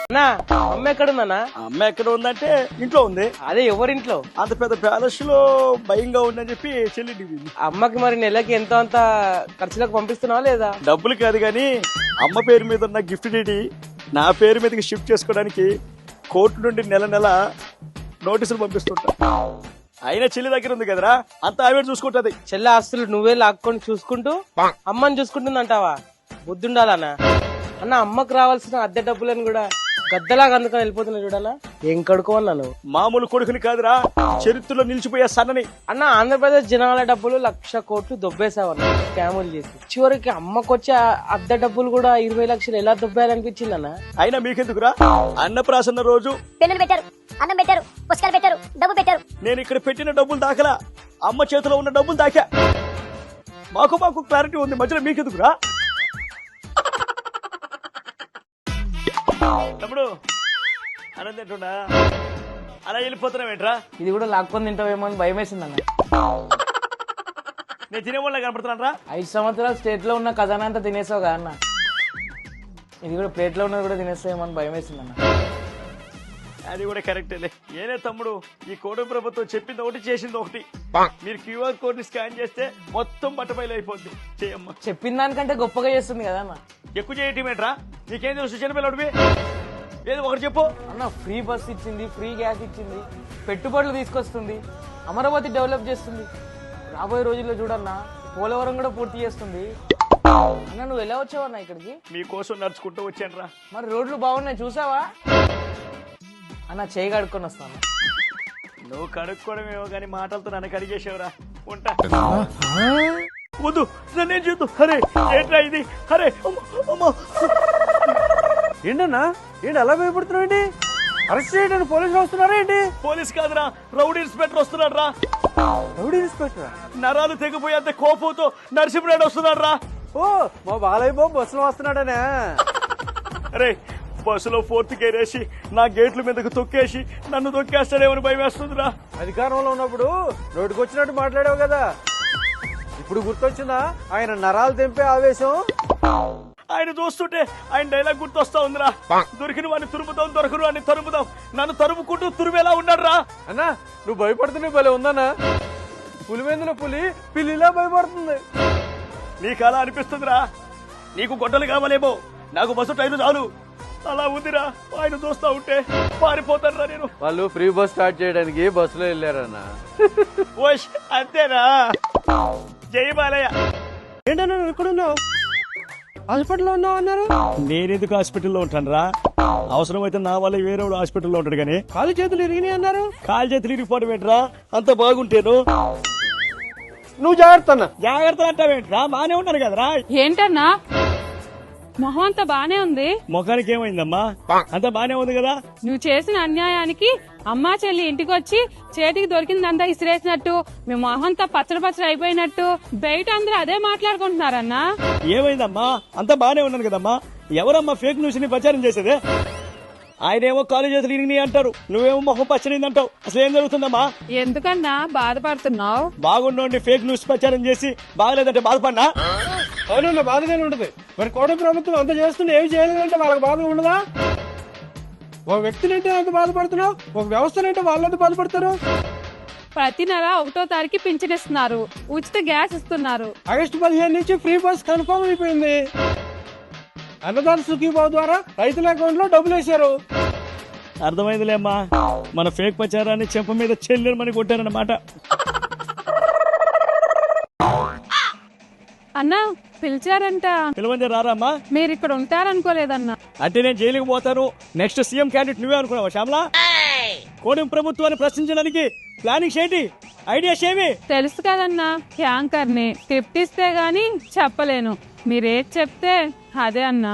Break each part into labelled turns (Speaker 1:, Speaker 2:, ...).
Speaker 1: అన్నా అమ్మ ఎక్కడుందన్నా?
Speaker 2: అమ్మ ఎక్కడ ఉందంటే ఇంట్లో ఉంది.
Speaker 1: అదే ఎవరింట్లో?
Speaker 2: అంత పెద్ద ప్యాలెస్ లో భయంగా ఉందని చెప్పి చెల్లి
Speaker 1: అమ్మకి మరి నెలకి ఎంతో అంత ఖర్చులకు పంపిస్తున్నావా లేదా?
Speaker 2: డబ్బులు కాదు గాని అమ్మ పేరు మీద ఉన్న గిఫ్ట్ డీడీ నా పేరు మీదకి షిఫ్ట్ చేసుకోవడానికి కోర్టు నుండి నెల నెల నోటీసులు పంపిస్తుంటా. అయినా చెల్లి దగ్గర ఉంది కదరా, అంత ఆవిడ చూసుకుంటది.
Speaker 1: చెల్లె ఆస్తులు నువ్వే లాక్కొని చూసుకుంటూ అమ్మని చూసుకుంటుందంటావా? బుద్ధుండాలన్నా. అన్న అమ్మకు రావాల్సిన అద్దె డబ్బులను కూడా గద్దలాగా అందుకని వెళ్ళిపోతున్నా చూడన్నా. ఏం కడుకోవన్నాను?
Speaker 2: మామూలు కొడుకుని కాదురా, చరిత్రలో నిలిచిపోయే సన్నని.
Speaker 1: అన్న ఆంధ్రప్రదేశ్ జనాల డబ్బులు 1,00,000 కోట్లు దొబ్బేసావన్న స్కాములు చేసి. చివరికి అమ్మకు వచ్చే అద్దె డబ్బులు కూడా 20 లక్షలు ఎలా దొబ్బేయాలనిపించింది అన్న.
Speaker 2: అయినా మీకెందుకురా? అన్నప్రాసన్న రోజు
Speaker 3: పెన్నులు పెట్టారు, అన్నం పెట్టారు, పుస్తకాలు పెట్టారు, డబ్బు పెట్టారు.
Speaker 2: నేను ఇక్కడ పెట్టిన డబ్బులు దాకలా, అమ్మ చేతిలో ఉన్న డబ్బులు దాకా. మాకు క్లారిటీ ఉంది, మధ్యలో మీకెందుకురా? తమ్ముడు అనంతేంటున్నా అలా వెళ్ళిపోతున్నావేంట్రా?
Speaker 1: ఇది కూడా లాక్కొని తింటావేమో అని భయం వేసింది అన్న.
Speaker 2: నేను తినేవాళ్ళ కనపడుతున్నాను.
Speaker 1: 5 సంవత్సరాలు స్టేట్ లో ఉన్న ఖజానా అంతా తినేసావు కదా అన్న. ఇది కూడా ప్లేట్ లో ఉన్నది కూడా తినేస్తావేమో అని భయం వేసింది అన్న.
Speaker 2: అది కూడా కరెక్టేలే. ఏనే తమ్ముడు, ఈ కోడ ప్రభుత్వం చెప్పింది ఒకటి చేసింది ఒకటి. మీరు క్యూఆర్ కోడ్ ని స్కాన్ చేస్తే మొత్తం బట్టబయలు అయిపోద్ది. చేయమ్మా.
Speaker 1: చెప్పిన దానికంటే గొప్పగా చేస్తుంది కదా అన్న.
Speaker 2: ఎక్కువ చేయటమేట్రా? నీకేం తెలుసు చిన్నపిల్లడివి? ఏదో ఒకటి చెప్పు
Speaker 1: అన్న. ఫ్రీ బస్ ఇచ్చింది, ఫ్రీ గ్యాస్ ఇచ్చింది, పెట్టుబడులు తీసుకొస్తుంది, అమరావతి డెవలప్ చేస్తుంది. రాబోయే రోజుల్లో చూడన్నా పోలవరం కూడా పూర్తి చేస్తుంది. అన్న నువ్వు ఎలా వచ్చావన్నా ఇక్కడికి?
Speaker 2: మీకోసం నడుచుకుంటూ వచ్చాను రా.
Speaker 1: మరి రోడ్లు బాగున్నాయి చూసావా అన్న? చేయి కడుక్కొని వస్తాను.
Speaker 2: నువ్వు కడుక్కోవడమేమో కానీ మాటలతో నన్ను కడిగేసావురా. ఉంటా. వద్దు, నన్నేం చేద్దు. అరే ఏంట్రా ఇది? అరే
Speaker 4: ఏంటన్నా, ఏంటి అలా భయపడుతున్నావు? ఏంటి అరెస్ట్ చేయడానికి పోలీసులు వస్తున్నారా ఏంటి?
Speaker 2: పోలీస్ కాదురా, రౌడీ ఇన్స్పెక్టర్ వస్తున్నాడు రా.
Speaker 4: Rowdy inspector?
Speaker 2: నరాలు తెగిపోయేంత కోపంతో నరసింహరాడు వస్తున్నాడు రా.
Speaker 4: ఓ మా బాలయ్య బాబు బస్సులో వస్తున్నాడనే.
Speaker 2: అరే బస్సులో 4th గేర్ వేసి నా గేట్ల మీదకు తొక్కేసి నన్ను తొక్కేస్తాడేమని భయం వేస్తుందిరా.
Speaker 4: అధికారంలో ఉన్నప్పుడు నోటికి వచ్చినట్టు మాట్లాడావు కదా, ఇప్పుడు గుర్తొచ్చిందా ఆయన నరాలు తెంపే ఆవేశం?
Speaker 2: ఆయన చూస్తుంటే ఆయన డైలాగ్ గుర్తొస్తా ఉందిరా. దొరికిన వాడిని తురుముదాం, దొరకను వాడిని తరుముదాం. నన్ను తరుముకుంటూ తురుమేలా ఉన్నాడు రా.
Speaker 4: అన్నా నువ్వు భయపడుతున్నావు భలే ఉందన్నా. పులివెందుల పులి పిల్లిలా భయపడుతుంది.
Speaker 2: నీకు అలా అనిపిస్తుందిరా? నీకు గొడ్డలు కావాలేమో, నాకు బస్సు టైరు చాలు. అలా ఉందిరా. ఆయన చూస్తా ఉంటే పారిపోతాను రా నేను.
Speaker 4: వాళ్ళు ఫ్రీ బస్ స్టార్ట్ చేయడానికి బస్సులో వెళ్ళారన్నా.
Speaker 2: ఓష్ అంతేనా? జై బాలయ్య.
Speaker 4: ఏంటన్నా ఎక్కడున్నావు? హాస్పిటల్లో ఉన్నావు అన్నారు.
Speaker 2: నేనెందుకు హాస్పిటల్లో ఉంటాను రా? అవసరమైతే నా వల్ల వేరే హాస్పిటల్లో ఉంటాడు కానీ.
Speaker 4: కాలు చేతులు ఇరిగినాయి అన్నారు.
Speaker 2: కాలు చేతులు ఇరిగిపోవడం ఏంట్రా? అంత బాగుంటేను.
Speaker 4: నువ్వు జాగ్రత్త అన్న.
Speaker 2: జాగ్రత్త అంటావేంట్రా? బానే ఉన్నాను కదరా.
Speaker 5: ఏంటన్నా మొహం అంతా బానే ఉంది,
Speaker 2: ముఖానికి ఏమైందమ్మా? అంత బానే ఉంది కదా.
Speaker 5: నువ్వు చేసిన అన్యాయానికి అమ్మా చెల్లి ఇంటికి వచ్చి చేతికి దొరికిందంతా ఇసిరేసినట్టు మీ మొహంతా పచ్చడి అయిపోయినట్టు బయట అందరూ అదే మాట్లాడుకుంటున్నారన్నా.
Speaker 2: ఏమైందమ్మా? అంత బానే ఉన్నాను కదమ్మా. ఎవరమ్మా ఫేక్ న్యూస్ ని ప్రచారం చేసేదే? ఆయనేమో కాలేజ్ చేతులు ఇరిగినాయి అంటారు, నువ్వేమో మొహం పచ్చడింది అంటావు. అసలు ఏం జరుగుతుందమ్మా?
Speaker 5: ఎందుకన్నా బాధపడుతున్నావు?
Speaker 2: బాగుండి ఫేక్ న్యూస్ ప్రచారం చేసి బాగలేదంటే బాధపడినా?
Speaker 4: అవునన్నా బాధగానే ఉంటది. మరి కోట ప్రభుత్వం అంత చేస్తుంటే ఏమి చేయలేదంటే వాళ్ళకి బాధ ఉండదా? ఒక వ్యక్తినంటే అంత బాధపడుతున్నావు, ఒక వ్యవస్థనంటే వాళ్ళంతా బాధపడతారు.
Speaker 5: ప్రతి నెల 1వ తారీఖు పింఛన్ ఇస్తున్నారు, ఉచిత గ్యాస్ ఇస్తున్నారు.
Speaker 4: ఆగస్టు 15 నుంచి ఫ్రీ బస్ కన్ఫర్మ్ అయిపోయింది. అన్నదాన సుఖీభావ ద్వారా రైతుల అకౌంట్ లో డబ్బులు వేశారు.
Speaker 2: అర్థమైందిలేమ్మా, మన ఫేక్ ప్రచారాన్ని చెంప మీద చెల్లెమని కొట్టారన్నమాట.
Speaker 5: అన్నా పిలిచారంట.
Speaker 2: పిలవండి రారమ్మా.
Speaker 5: మీరు ఇక్కడ ఉంటారనుకోలేదన్నా.
Speaker 2: అంటే నేను జైలుకి పోతాను, నెక్స్ట్ సీఎం క్యాండిడేట్ నువ్వే అనుకున్నావా శ్యామలా? కోడిం ప్రభుత్వాన్ని ప్రశ్నించడానికి ప్లానింగ్స్ ఏంటి, ఐడియాస్ ఏమి?
Speaker 5: తెలుసు కదన్నా, యాంకర్ ని టిప్ ఇస్తే గాని చెప్పలేను. మీరేది చెప్తే అదే అన్నా.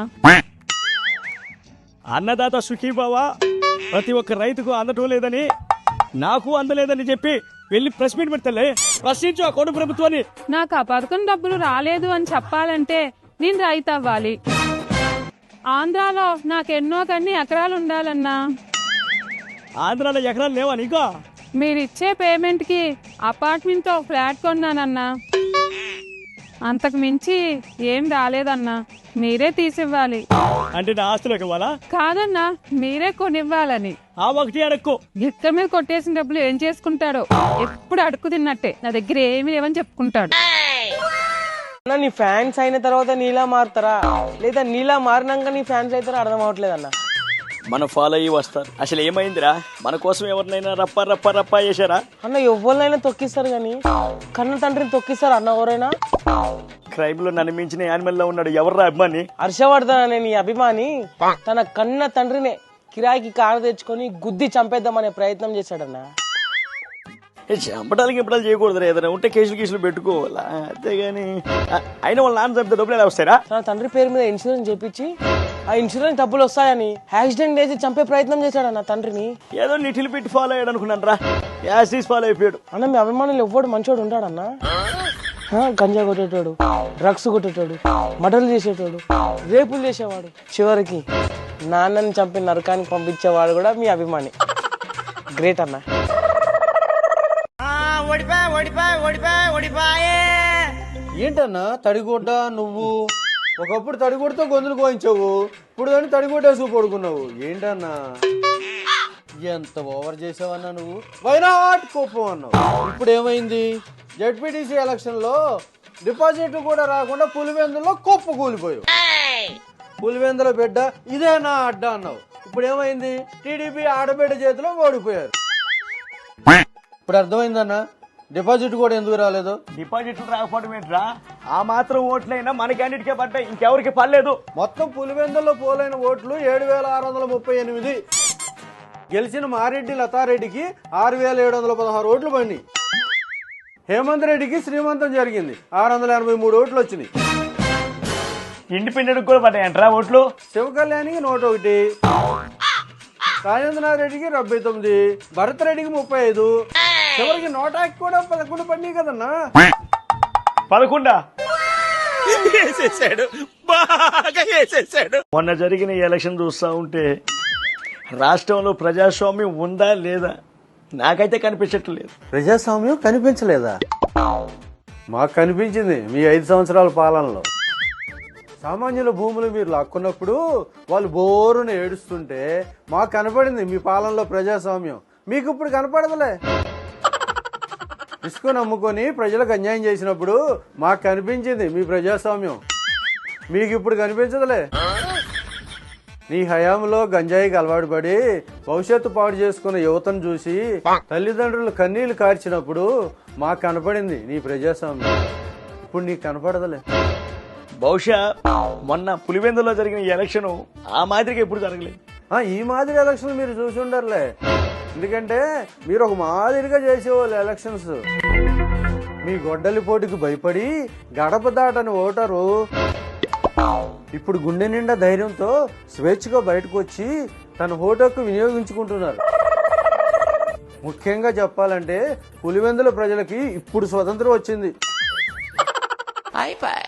Speaker 2: అన్నదాత సుఖీభావ ప్రతి ఒక్క రైతుకు అందటం లేదని, నాకు అందలేదని చెప్పి వెళ్ళి ప్రెస్ మీట్ పెడతలే. ప్రశ్నించు ఆ కోడి ప్రభుత్వాన్ని.
Speaker 5: నాకు ఆ పథకం డబ్బులు రాలేదు అని చెప్పాలంటే నేను రైతు అవ్వాలి. ఆంధ్రాలో నాకెన్నో కన్ని ఎకరాలు ఉండాలన్నా.
Speaker 2: ఆంధ్రాలో ఎకరాలు లేవా నీకు?
Speaker 5: మీరిచ్చే పేమెంట్ కి అపార్ట్మెంట్ తో ఫ్లాట్ కొన్నానన్నా. అంతకు మించి ఏం రాలేదన్నా. మీరే తీసివ్వాలి.
Speaker 2: అంటే నా ఆస్తులకు ఇవ్వాలా?
Speaker 5: కాదన్నా, మీరే కొనివ్వాలని.
Speaker 2: ఆ ఒకటి అడక్కు.
Speaker 5: గిట్ల మీద కొట్టేసిన డబ్బులు ఏం చేసుకుంటాడో, ఎప్పుడు అడుక్కు తిన్నట్టే. నా దగ్గర ఏమీ లేవని చెప్పుకుంటాడు.
Speaker 1: అన్న నీ ఫ్యాన్స్ అయిన తర్వాత నీలా మారుతారా లేదా నీలా మారినాక నీ ఫ్యాన్స్ అవుతారా అర్థం అవ్వట్లేదు అన్న.
Speaker 2: మనం ఫాలో అయ్యి వస్తారు. అసలు ఏమైందిరా? మన కోసం ఎవరినైనా రప్ప రప్ప రప్ప చేశారా?
Speaker 1: అన్న ఎవరినైనా తొక్కిస్తారు కానీ కన్న తండ్రిని తొక్కిస్తారు అన్న ఎవరైనా?
Speaker 2: క్రైమ్ లో నన్ను మించిన యానిమల్ లో ఉన్నాడు ఎవర్రా అభిమాని?
Speaker 1: హర్షవర్ధన్ అనే నీ అభిమాని తన కన్న తండ్రినే కిరాయికి కారు తెచ్చుకొని గుద్ది చంపేద్దామనే ప్రయత్నం చేశాడన్న.
Speaker 2: చంపడానికి ఇంపడాలు చేయకూడదురా. ఏదైనా ఉంటే కేసులు పెట్టుకోవాలా, అంతేగాని అయినా వాళ్ళ నాన్న చంపితే డబ్బులు ఎలా వస్తారా?
Speaker 1: తన తండ్రి పేరు మీద ఇన్సూరెన్స్ చేపించి ఆ ఇన్సూరెన్స్ డబ్బులు వస్తాయని యాక్సిడెంట్ చేసి చంపే ప్రయత్నం చేశాడన్న తండ్రిని.
Speaker 2: ఏదో నిటిల్ పెట్టి ఫాలో అయ్యాడు అనుకున్నాను రా. యాసిస్ ఫాలో అయిపోయాడు.
Speaker 1: అన్న మీ అభిమానులు ఎవ్వడు మంచోడు ఉంటాడన్నా? గంజా కొట్టేటోడు, డ్రగ్స్ కొట్టేటోడు, మర్డర్లు చేసేటోడు, రేపులు చేసేవాడు, చివరికి నాన్నని చంపి నరకానికి పంపించేవాడు కూడా మీ అభిమాని. గ్రేట్ అన్న.
Speaker 4: ఏంటన్నా తడిగుడ్డ నువ్వు? ఒకప్పుడు తడిగుడ్డతో గొంతులు కోయించావు, ఇప్పుడు దాన్ని తడిగుడ్డేసుకు పడుకున్నావు. ఏంటన్నా ఎంత ఓవర్ చేసావన్నా నువ్వు? వైనాట్ కోపం అన్నావు. ఇప్పుడు ఏమైంది? జెడ్పీటీసీ ఎలక్షన్ లో డిపాజిట్లు కూడా రాకుండా పులివెందులో కుప్ప కూలిపోయావు. పులివెందుల బిడ్డ ఇదేనా అడ్డ అన్నావు. ఇప్పుడు ఏమైంది? టీడీపీ ఆడబిడ్డ చేతిలో ఓడిపోయారు. ఇప్పుడు అర్థమైందన్నా డిపాజిట్ కూడా ఎందుకు రాలేదు?
Speaker 2: డిపాజిట్లు రాకపోవడం ఏంట్రా? ఆ మాత్రం ఓట్లైనా మన క్యాండిడేట్కే పడ్డాయి, ఇంకెవరికి పడలేదు.
Speaker 4: మొత్తం పులివెందుల్లో పోలైన ఓట్లు 7,638. గెలిచిన మారెడ్డి లతారెడ్డికి 6,716 ఓట్లు పడినాయి. హేమంత్ రెడ్డికి శ్రీమంతం జరిగింది, 683 ఓట్లు వచ్చినాయి.
Speaker 2: ఇండిపెండెంట్ కూడా పడ్డాయంట్రా ఓట్లు.
Speaker 4: శివకళ్యాణికి 101, రాజేంద్రనాథ్ రెడ్డికి 79, భరత్ రెడ్డికి 35, చివరికి 100కి కూడా 11 పడినాయి కదన్నా.
Speaker 2: 11 మొన్న జరిగిన ఈ ఎలక్షన్ చూస్తా ఉంటే రాష్ట్రంలో ప్రజాస్వామ్యం ఉందా లేదా నాకైతే కనిపించట్లేదు.
Speaker 4: ప్రజాస్వామ్యం కనిపించలేదా? మాకు కనిపించింది మీ 5 సంవత్సరాల పాలనలో. సామాన్యుల భూములు మీరు లాక్కున్నప్పుడు వాళ్ళు బోరును ఏడుస్తుంటే మాకు కనపడింది మీ పాలనలో ప్రజాస్వామ్యం. మీకు ఇప్పుడు కనపడదులే. ఇసుక నమ్ముకొని ప్రజలకు అన్యాయం చేసినప్పుడు మాకు కనిపించింది మీ ప్రజాస్వామ్యం. మీకు ఇప్పుడు కనిపించదులే. నీ హయాంలో గంజాయికి అలవాటు పడి భవిష్యత్తు పాడు చేసుకున్న యువతను చూసి తల్లిదండ్రులు కన్నీళ్లు కార్చినప్పుడు మాకు కనపడింది నీ ప్రజాస్వామ్యం. ఇప్పుడు నీకు కనపడదులే.
Speaker 2: బహుశా మొన్న పులివెందులో జరిగిన ఈ ఎలక్షన్ ఆ మాదిరిగా ఎప్పుడు జరగలేదు.
Speaker 4: ఈ మాదిరి ఎలక్షన్ మీరు చూసి ఉండరులే, ఎందుకంటే మీరు ఒక మాదిరిగా చేసేవాళ్ళు ఎలక్షన్స్. మీ గొడ్డలి పోటీకి భయపడి గడప దాటని ఓటరు ఇప్పుడు గుండె నిండా ధైర్యంతో స్వేచ్ఛగా బయటకు వచ్చి తన ఓటుకు వినియోగించుకుంటున్నారు. ముఖ్యంగా చెప్పాలంటే పులివెందుల ప్రజలకి ఇప్పుడు స్వతంత్రం వచ్చింది.